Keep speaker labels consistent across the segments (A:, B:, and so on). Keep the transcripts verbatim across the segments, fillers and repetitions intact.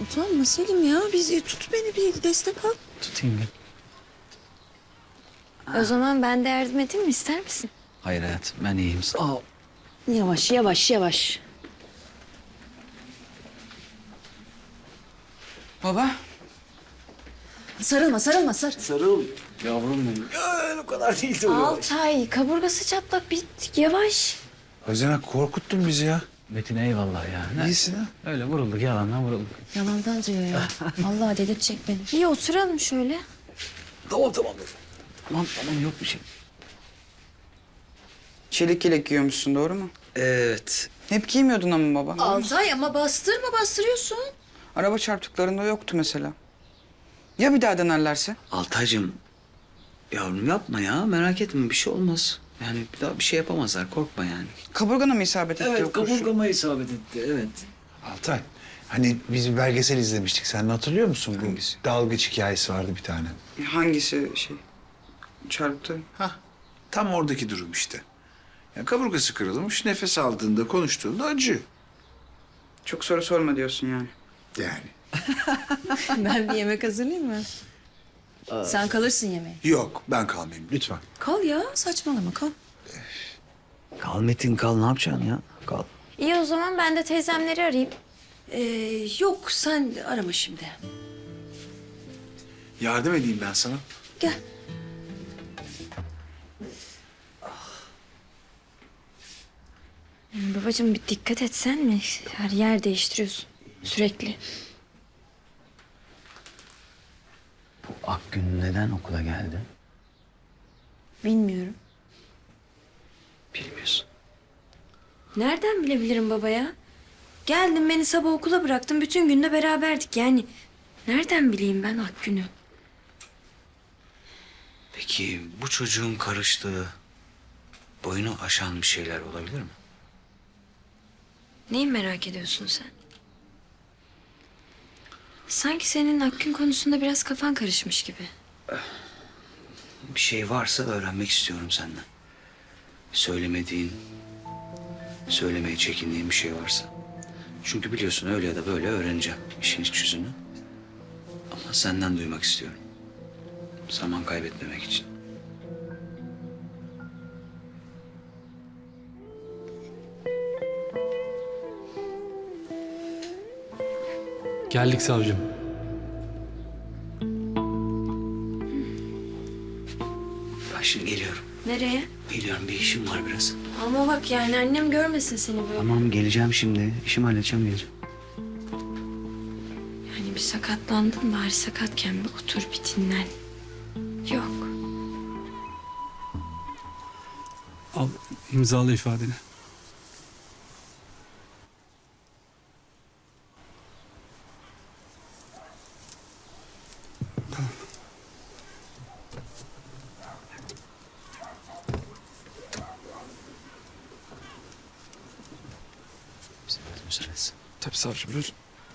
A: Utanma Selim ya. Biz tut beni bir destek al.
B: Tutayım ben.
C: O zaman ben de yardım edeyim mi? İster misin?
B: Hayır hayatım ben iyiyim. Sağ ol.
A: Yavaş yavaş yavaş.
B: Baba.
A: Sarılma sarılma sar.
B: Sarıl. Yavrum benim. Öyle o kadar değildi o.
C: Altay, kaburgası çatlak. Bir yavaş.
D: Özenek korkuttun bizi ya.
B: Metin eyvallah ya. Ne?
D: İyisin ha.
B: Öyle vurulduk yalandan vurulduk.
A: Yalandan diyor ya. Vallahi delirtecek beni.
C: İyi oturalım şöyle.
B: Tamam tamam. Tamam tamam yok bir şey.
E: Çelik yelek giyiyormuşsun, doğru mu?
B: Evet.
E: Hep giymiyordun ama baba.
A: Altay ama bastırma bastırıyorsun.
E: Araba çarptıklarında yoktu mesela. Ya bir daha denerlerse?
B: Altaycığım. Yavrum yapma ya. Merak etme bir şey olmaz. Yani bir daha bir şey yapamazlar. Korkma yani.
E: Kaburgana mı isabet etti o kurşun?
B: isabet etti. Evet.
D: Altay, hani biz bir belgesel izlemiştik. Sen hatırlıyor musun? Bu
E: Hangisi?
D: dalgıç hikayesi vardı bir tane.
E: Hangisi şey? Çarptı.
D: Hah, tam oradaki durum işte. Ya kaburgası kırılmış, nefes aldığında, konuştuğunda acı.
E: Çok soru sorma diyorsun yani.
D: Yani.
A: Ben bir yemek hazırlayayım mı? Sen kalırsın yemeğe.
D: Yok, ben kalmayayım lütfen.
A: Kal ya saçmalama kal.
B: Kal Metin kal. Ne yapacaksın ya? Kal.
C: İyi o zaman ben de teyzemleri arayayım.
A: Ee, yok sen arama şimdi.
D: Yardım edeyim ben sana.
A: Gel.
C: Babacığım bir dikkat etsen mi? Her yer değiştiriyorsun sürekli.
B: Bu Akgün neden okula geldi?
C: Bilmiyorum.
B: Bilmiyorsun.
C: Nereden bilebilirim baba ya? Geldin beni sabah okula bıraktın. Bütün gün de beraberdik yani. Nereden bileyim ben Akgün'ü?
B: Peki bu çocuğun karıştığı, boyunu aşan bir şeyler olabilir mi?
C: Neyi merak ediyorsun sen? Sanki senin Akgün konusunda biraz kafan karışmış gibi.
B: Bir şey varsa öğrenmek istiyorum senden. Söylemediğin, söylemeye çekindiğin bir şey varsa. Çünkü biliyorsun öyle ya da böyle öğreneceğim işin iç yüzünü. Ama senden duymak istiyorum. Zaman kaybetmemek için.
F: Geldik savcım.
B: Ben şimdi geliyorum.
C: Nereye?
B: Geliyorum bir işim var biraz.
C: Ama bak yani annem görmesin seni böyle.
B: Tamam geleceğim şimdi. İşimi halledeceğim geleceğim.
C: Yani bir sakatlandın bari sakatken bir otur bir dinlen. Yok.
F: Al imzala ifadeni.
B: Müsaadesi.
F: Tabii savcım buyurun.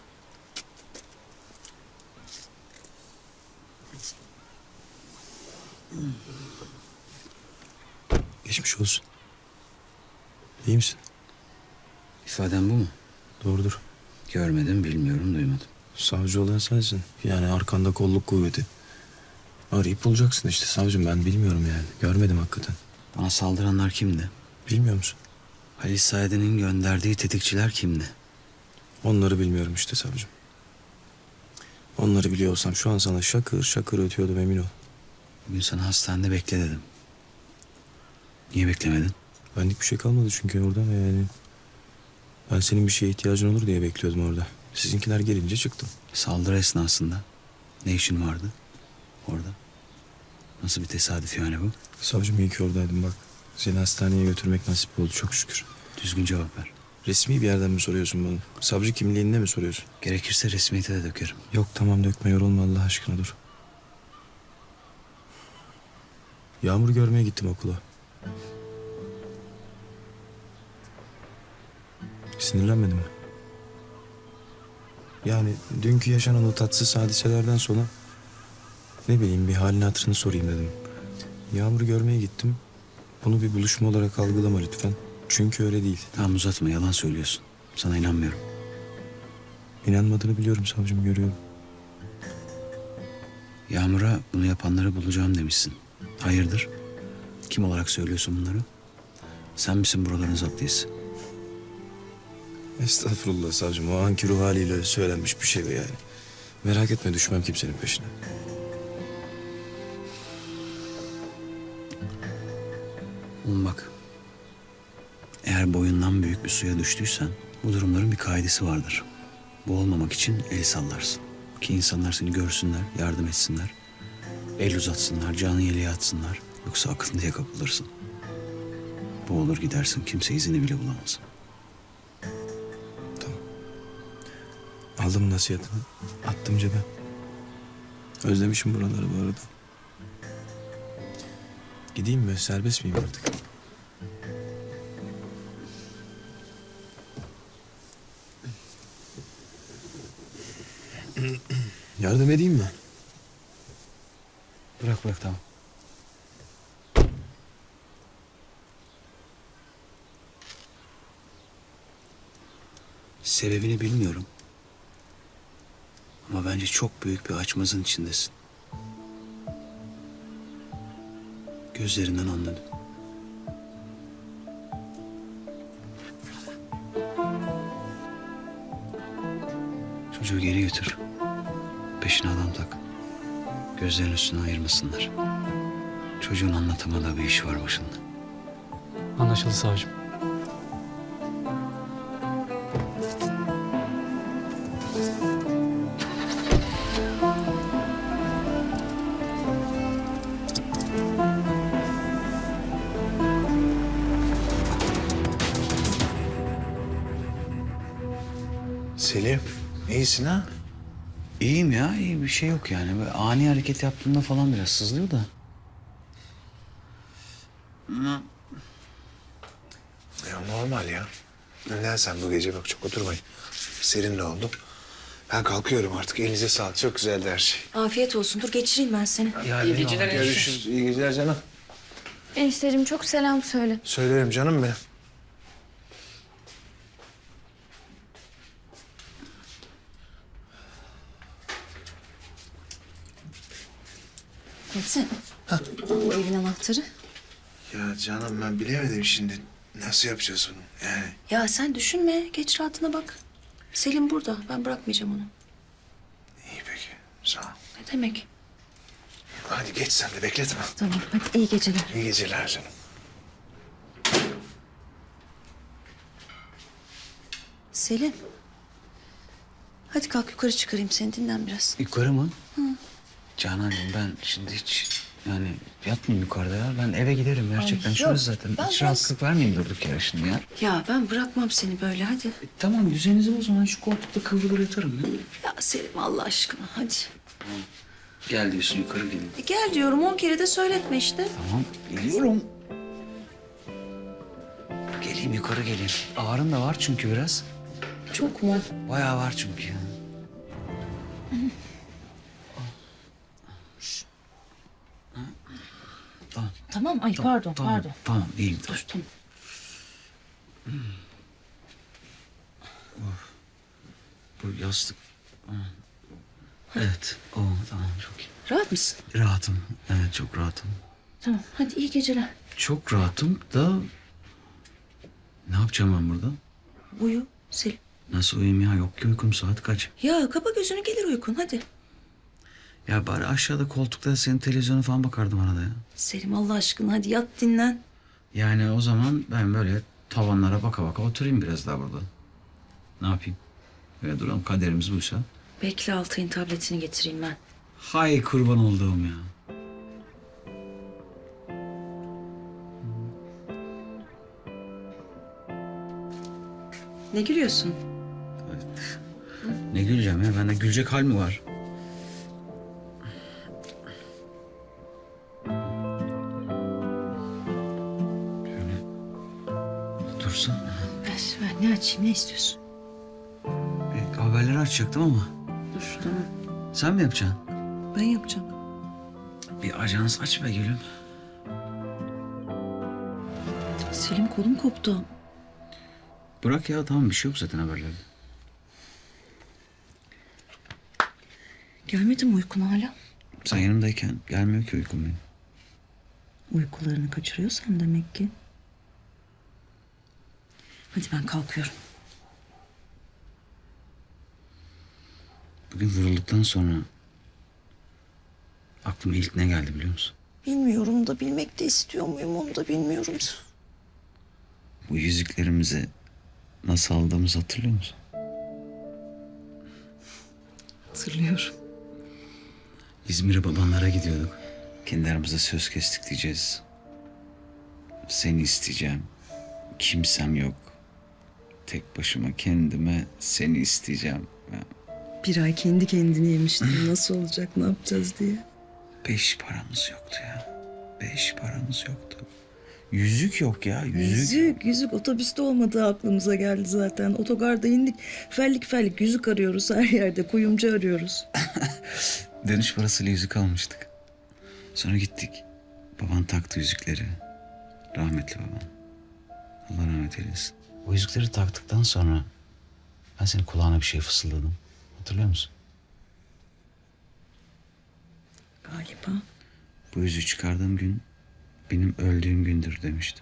G: Geçmiş olsun. İyi misin?
B: İfaden bu mu?
G: Doğrudur.
B: Görmedim, bilmiyorum, duymadım.
G: Savcı olan sensin. Yani arkanda kolluk kuvveti. Arayıp bulacaksın işte savcım, ben bilmiyorum yani. Görmedim hakikaten.
B: Bana saldıranlar kimdi?
G: Bilmiyor musun?
B: Halis Said'in gönderdiği tetikçiler kimdi?
G: Onları bilmiyorum işte savcım. Onları biliyor olsam şu an sana şakır şakır ötüyordum, emin ol.
B: Bugün sana hastanede bekle dedim. Niye beklemedin?
G: Benlik bir şey kalmadı çünkü orada yani. Ben senin bir şeye ihtiyacın olur diye bekliyordum orada. Sizinkiler gelince çıktım.
B: Saldırı esnasında ne işin vardı orada? Nasıl bir tesadüf yani bu?
G: Savcım iyi ki oradaydım bak. Seni hastaneye götürmek nasip oldu çok şükür.
B: Düzgün cevap ver.
G: Resmi bir yerden mi soruyorsun bunu? Savcı kimliğinde mi soruyorsun?
B: Gerekirse resmiyete de dökerim.
G: Yok tamam dökme, yorulma Allah aşkına, dur. Yağmur görmeye gittim okula. Sinirlenmedin mi? Yani dünkü yaşanan o tatsız hadiselerden sonra ne bileyim bir halini hatırını sorayım dedim. Yağmur'u görmeye gittim. Bunu bir buluşma olarak algılama lütfen. Çünkü öyle değil.
B: Tamam uzatma yalan söylüyorsun. Sana inanmıyorum.
G: İnanmadığını biliyorum savcım, görüyorum.
B: Yağmur'a bunu yapanları bulacağım demişsin. Hayırdır? Kim olarak söylüyorsun bunları? Sen misin buraların zaptiyesi?
G: Estağfurullah savcım, o anki ruh haliyle söylenmiş bir şey yani. Merak etme, düşmem kimsenin peşine.
B: Oğlum bak. Eğer boyundan büyük bir suya düştüysen bu durumların bir kaidesi vardır. Boğulmamak için el sallarsın. Ki insanlar seni görsünler, yardım etsinler. El uzatsınlar, canı yeleğe atsınlar. Yoksa akıntıya kapılırsın. Boğulur gidersin, kimse izini bile bulamaz.
G: Aldım nasihatini, attım cebe. Özlemişim buraları bu arada. Gideyim mi? Serbest miyim artık? Yardım edeyim mi?
B: Bırak bırak tamam. Sebebini bilmiyorum. Ama bence çok büyük bir açmazın içindesin. Gözlerinden anladım. Çocuğu geri götür. Peşine adam tak. Gözlerin üstüne ayırmasınlar. Çocuğun anlatamadığı bir iş var başında.
F: Anlaşıldı savcım.
D: Selim, iyisin ha?
B: İyiyim ya, iyi bir şey yok yani. Böyle ani hareket yaptığımda falan biraz sızlıyor da.
H: Ya normal ya. Neden sen bu gece bak çok oturmayın. Serin de oldu. Ben kalkıyorum artık. Elinize sağlık. Çok güzeldi her şey.
C: Afiyet olsun. Dur geçireyim ben seni.
B: İyi geceler.
H: Görüşürüz. İyi geceler canım.
I: Enişteciğim çok selam söyle.
H: Söylerim canım benim.
A: Metin. Bu evin anahtarı.
H: Ya canım ben bilemedim şimdi. Nasıl yapacağız bunu? Yani
A: Ya sen düşünme. Geç rahatına bak. Selim burada. Ben bırakmayacağım onu.
H: iyi peki. Sağ ol.
A: Ne demek?
H: Hadi geç sen de bekletme.
A: Tamam. Hadi iyi geceler.
H: İyi geceler canım.
A: Selim. Hadi kalk yukarı çıkarayım seni. Dinlen biraz.
B: Yukarı mı? Hı. Canancığım ben şimdi hiç yani yatmayayım yukarıda ya. Ben eve giderim gerçekten.
A: Ay,
B: Şurası
A: yok.
B: zaten.
A: Ben
B: Hiç
A: biraz-
B: rahatsızlık vermeyeyim durduk yere şimdi ya.
A: Ya ben bırakmam seni böyle. Hadi.
B: E, tamam düzeninizi o zaman şu koltukta kıvrılır yatarım ya.
A: Ya Selim Allah aşkına hadi.
B: Gel diyorsun yukarı gelin.
A: E gel diyorum on kere de söyletme işte.
B: Tamam geliyorum. Geleyim yukarı geleyim. Ağrın da var çünkü biraz.
A: Çok mu?
B: Bayağı var çünkü. Tamam.
A: Tamam ay pardon
B: Tamam,
A: pardon.
B: tamam iyiyim.
A: Dur tamam.
B: Bu yastık. Ha. Evet. O tamam çok iyi.
A: Rahat mısın?
B: Rahatım. Evet çok rahatım.
A: Tamam hadi iyi geceler.
B: Çok rahatım da ne yapacağım ben burada?
A: Uyu Selim.
B: Nasıl uyuyayım ya? Yok ki uykum saat kaç?
A: Ya kapa gözünü gelir uykun hadi.
B: Ya bari aşağıda koltukta senin televizyona falan bakardım arada ya.
A: Selim Allah aşkına hadi yat dinlen.
B: Yani o zaman ben böyle tavanlara baka baka oturayım biraz daha burada. Ne yapayım? Böyle duralım kaderimiz buysa.
A: Bekle Altay'ın tabletini getireyim ben.
B: Hay kurban olduğum ya.
A: Ne gülüyorsun?
B: Ne güleceğim ya? Bende gülecek hal mi var? Şöyle dursun.
A: Ver ver ne açayım ne istiyorsun?
B: E, haberleri açacaktım ama.
A: Dur tamam.
B: Sen mi yapacaksın?
A: Ben yapacağım.
B: Bir ajans aç be gülüm.
A: Selim kolum koptu.
B: Bırak ya tamam bir şey yok zaten haberlerde.
A: Gelmedi mi uykun hala?
B: Sen yanımdayken gelmiyor ki uykum benim.
A: Uykularını kaçırıyorsan demek ki. Hadi ben kalkıyorum.
B: Bugün vurulduktan sonra aklıma ilk ne geldi biliyor musun?
A: Bilmiyorum da bilmek de istiyor muyum onu da bilmiyorum.
B: Bu yüzüklerimizi nasıl aldığımızı hatırlıyor musun?
A: Hatırlıyorum.
B: İzmir'e babanlara gidiyorduk. Kendi aramızda söz kestik diyeceğiz. Seni isteyeceğim. Kimsem yok. Tek başıma kendime seni isteyeceğim.
A: Bir ay kendi kendini yemiştim. Nasıl olacak, ne yapacağız diye.
B: Beş paramız yoktu ya. Beş paramız yoktu. Yüzük yok ya, yüzük.
A: Yüzük, yüzük otobüste olmadığı aklımıza geldi zaten. Otogarda indik. Fellik fellik yüzük arıyoruz her yerde. Kuyumcu arıyoruz.
B: Dönüş parasıyla yüzük almıştık. Sonra gittik. Baban taktı yüzükleri. Rahmetli babam. Allah rahmet eylesin. O yüzükleri taktıktan sonra ben senin kulağına bir şey fısıldadım. Hatırlıyor musun?
A: Galiba.
B: Bu yüzüğü çıkardığım gün benim öldüğüm gündür demiştim.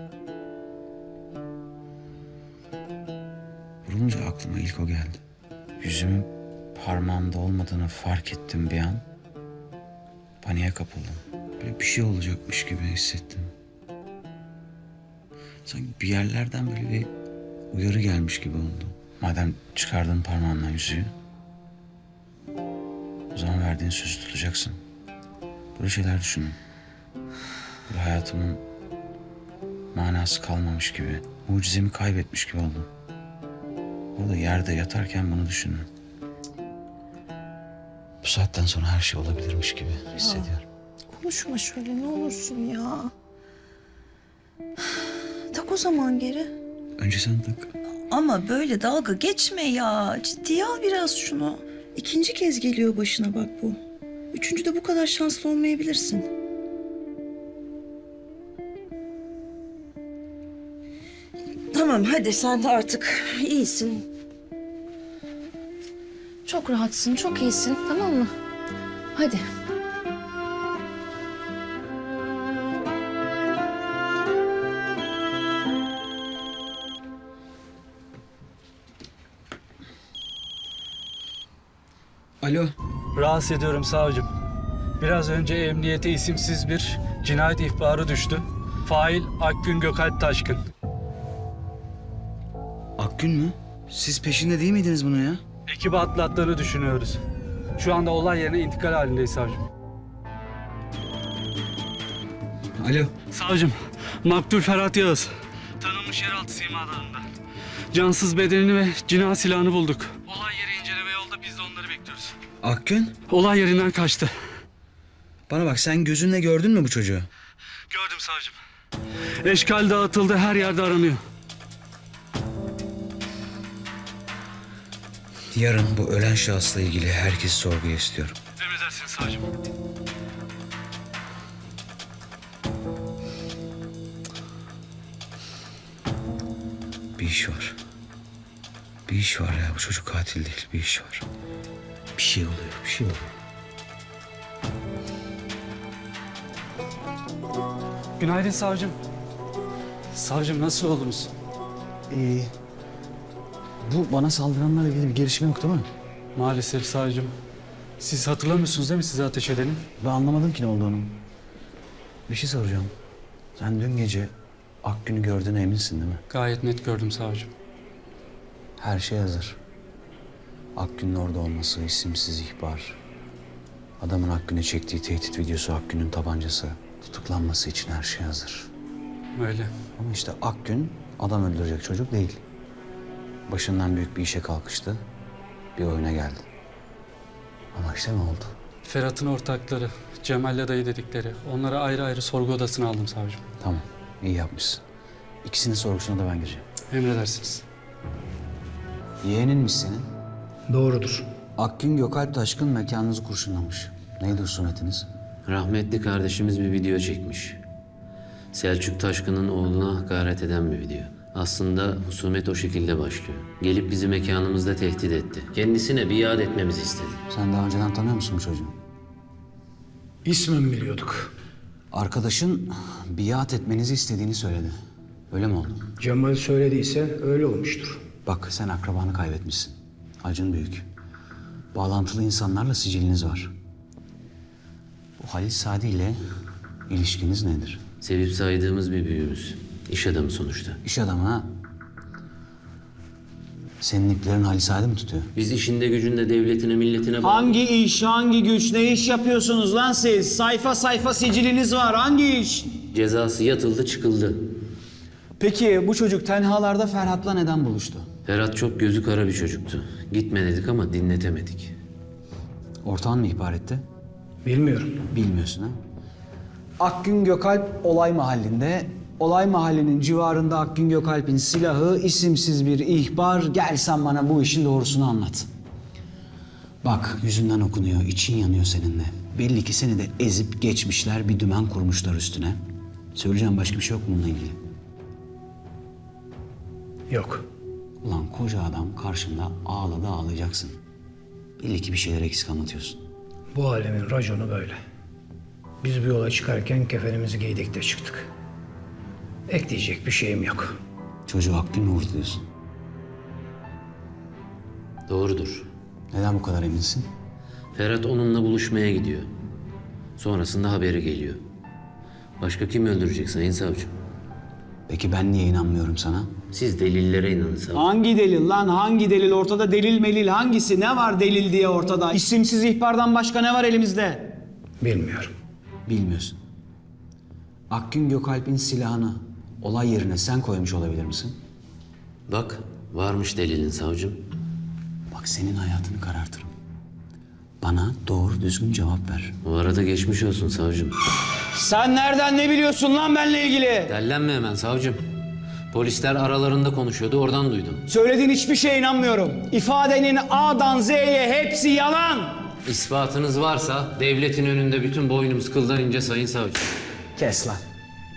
B: Vurulunca aklıma ilk o geldi. Yüzümün parmağımda olmadığını fark ettim bir an. Paniğe kapıldım. Böyle bir şey olacakmış gibi hissettim. Sanki bir yerlerden böyle bir uyarı gelmiş gibi oldu. Madem çıkardın parmağından yüzüğü, o zaman verdiğin sözü tutacaksın. Böyle şeyler düşünün. Böyle hayatımın manası kalmamış gibi, mucizemi kaybetmiş gibi oldum. Orada yerde yatarken bunu düşündüm. Bu saatten sonra her şey olabilirmiş gibi hissediyorum.
A: Konuşma şöyle ne olursun ya. Tak o zaman geri.
B: Önce sen tak.
A: Ama böyle dalga geçme ya. Ciddiye al biraz şunu. İkinci kez geliyor başına bak bu. Üçüncü de bu kadar şanslı olmayabilirsin. Tamam hadi sen de artık iyisin.
I: Çok rahatsın, çok iyisin, tamam mı? Hadi.
B: Alo.
F: Rahatsız ediyorum savcım. Biraz önce emniyete isimsiz bir cinayet ihbarı düştü. Fail Akgün Gökalp Taşkın.
B: Akgün mü? Siz peşinde değil miydiniz bunun ya?
F: Ekibi atlattığını düşünüyoruz. Şu anda olay yerine intikal halindeyiz savcım.
B: Alo.
F: Savcım, Maktul Ferhat Yağız. Tanınmış yeraltı simalarında. Cansız bedenini ve cinayet silahını bulduk. Olay yeri inceleme yolda, biz de onları bekliyoruz.
B: Akgün?
F: Olay yerinden kaçtı.
B: Bana bak, sen gözünle gördün mü bu çocuğu?
F: Gördüm savcım. Eşkal dağıtıldı, her yerde aranıyor.
B: Yarın bu ölen şahısla ilgili herkesi sorguya istiyorum.
F: Emredersiniz savcım.
B: Bir iş var. Bir iş var ya, bu çocuk katil değil, bir iş var. Bir şey oluyor, bir şey oluyor.
F: Günaydın savcım. Savcım nasıl oldunuz?
B: Ee, bu bana saldıranlarla ilgili bir gelişme yok değil mi?
F: Maalesef savcım. Siz hatırlamıyorsunuz değil mi size ateş edeni?
B: Ben anlamadım ki ne olduğunu. Bir şey soracağım. Sen dün gece Akgün'ü gördüğüne eminsin değil mi?
F: Gayet net gördüm savcım.
B: Her şey hazır. Akgün'ün orada olması, isimsiz ihbar. Adamın Akgün'e çektiği tehdit videosu, Akgün'ün tabancası. Tutuklanması için her şey hazır.
F: Öyle.
B: Ama işte Akgün adam öldürecek çocuk değil. Başından büyük bir işe kalkıştı. Bir oyuna geldi. Ama işte ne oldu?
F: Ferhat'ın ortakları, Cemal'le dayı dedikleri. Onları ayrı ayrı sorgu odasına aldım savcım.
B: Tamam, iyi yapmışsın. İkisinin sorgusuna da ben gireceğim.
F: Emredersiniz.
B: Yeğeninmiş senin.
J: Doğrudur.
B: Akgün Gökalp Taşkın mekanınızı kurşunlamış. Neydi husumetiniz?
K: Rahmetli kardeşimiz bir video çekmiş. Selçuk Taşkın'ın oğluna hakaret eden bir video. Aslında husumet o şekilde başlıyor. Gelip bizi mekanımızda tehdit etti. Kendisine biat etmemizi istedi.
B: Sen daha önceden tanıyor musun bu çocuğu?
J: İsmen biliyorduk.
B: Arkadaşın biat etmenizi istediğini söyledi. Öyle mi oldu?
J: Cemal söylediyse öyle olmuştur.
B: Bak sen akrabanı kaybetmişsin. Acın büyük. Bağlantılı insanlarla siciliniz var. Bu Halil Sadi ile ilişkiniz nedir?
K: Sevip saydığımız bir büyüğümüz. İş adamı sonuçta.
B: İş adamı ha? Senin iplerin Halil Sadi mi tutuyor?
K: Biz işinde gücünde devletine, milletine bağlı.
L: Hangi iş, hangi güç, ne iş yapıyorsunuz lan siz? Sayfa sayfa siciliniz var. Hangi iş?
K: Cezası yatıldı çıkıldı.
L: Peki bu çocuk tenhalarda Ferhat'la neden buluştu?
K: Ferhat çok gözü kara bir çocuktu. Gitme dedik ama dinletemedik.
B: Ortağın mı ihbar etti?
J: Bilmiyorum.
B: Bilmiyorsun ha?
L: Akgün Gökalp olay mahallinde. Olay mahallinin civarında Akgün Gökalp'in silahı, isimsiz bir ihbar. Gel sen bana bu işin doğrusunu anlat.
B: Bak yüzünden okunuyor, için yanıyor seninle. Belli ki seni de ezip geçmişler, bir dümen kurmuşlar üstüne. Söyleyeceğim başka bir şey yok mu bununla ilgili?
J: Yok.
B: Ulan koca adam karşında ağladı ağlayacaksın. Belli ki bir şeyler eksik anlatıyorsun.
J: Bu alemin raconu böyle. Biz bir yola çıkarken kefenimizi giydik de çıktık. Ekleyecek bir şeyim yok.
B: Çocuğu Akgün mü vurdu diyorsun?
K: Doğrudur.
B: Neden bu kadar eminsin?
K: Ferhat onunla buluşmaya gidiyor. Sonrasında haberi geliyor. Başka kim öldürecek sayın savcım?
B: Peki ben niye inanmıyorum sana?
K: Siz delillere inanın savcım.
L: Hangi delil lan? Hangi delil? Ortada delil melil hangisi? Ne var delil diye ortada? İsimsiz ihbardan başka ne var elimizde?
J: Bilmiyorum.
B: Bilmiyorsun. Akgün Gökalp'in silahını olay yerine sen koymuş olabilir misin?
K: Bak varmış delilin savcım.
B: Bak senin hayatını karartırım. Bana doğru düzgün cevap ver.
K: O arada geçmiş olsun savcım.
L: Sen nereden ne biliyorsun lan benimle ilgili?
K: Dellenme hemen savcım. Polisler aralarında konuşuyordu oradan duydum.
L: Söylediğin hiçbir şeye inanmıyorum. İfadenin A'dan Z'ye hepsi yalan.
K: İspatınız varsa devletin önünde bütün boynumuz kıldan ince sayın savcım.
L: Kes lan.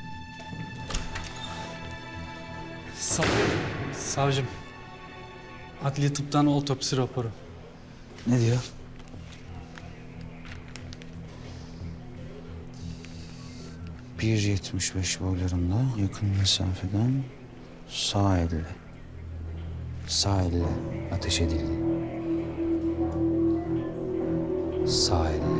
F: Sav Savcım. Adli tıptan otopsi raporu.
B: Ne diyor? bir yetmiş beş boylarında yakın mesafeden sağ elle. Sağ elle ateş edildi. Sağ elle.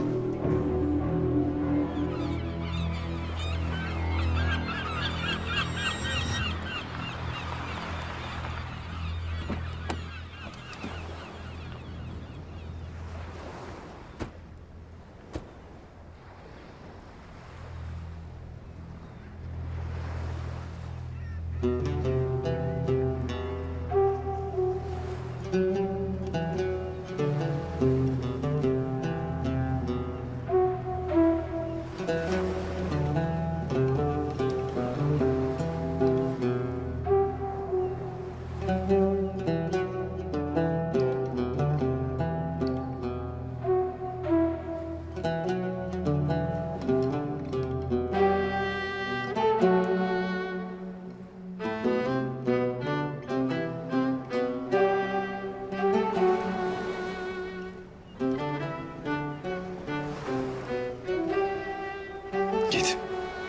G: Git.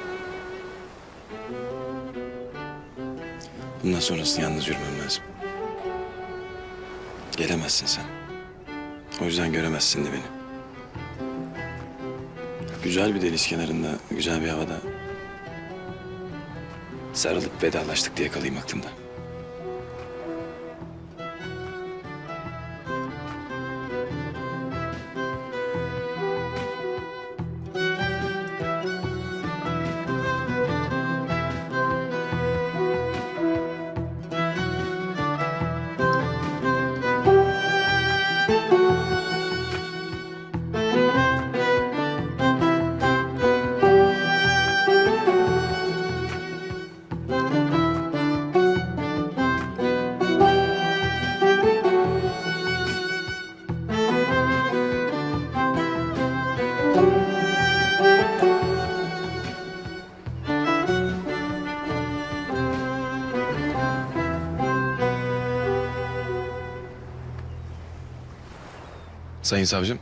G: Bundan sonrasını yalnız yürümem lazım. Gelemezsin sen. O yüzden göremezsin de beni. Güzel bir deniz kenarında, güzel bir havada sarılıp vedalaştık diye kalayım aklımda. Sayın savcım.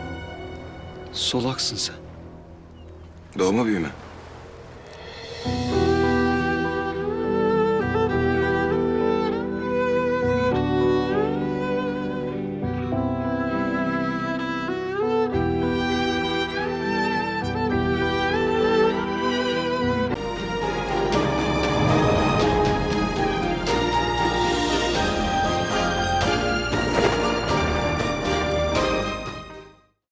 B: Solaksın sen.
G: Doğma büyüme.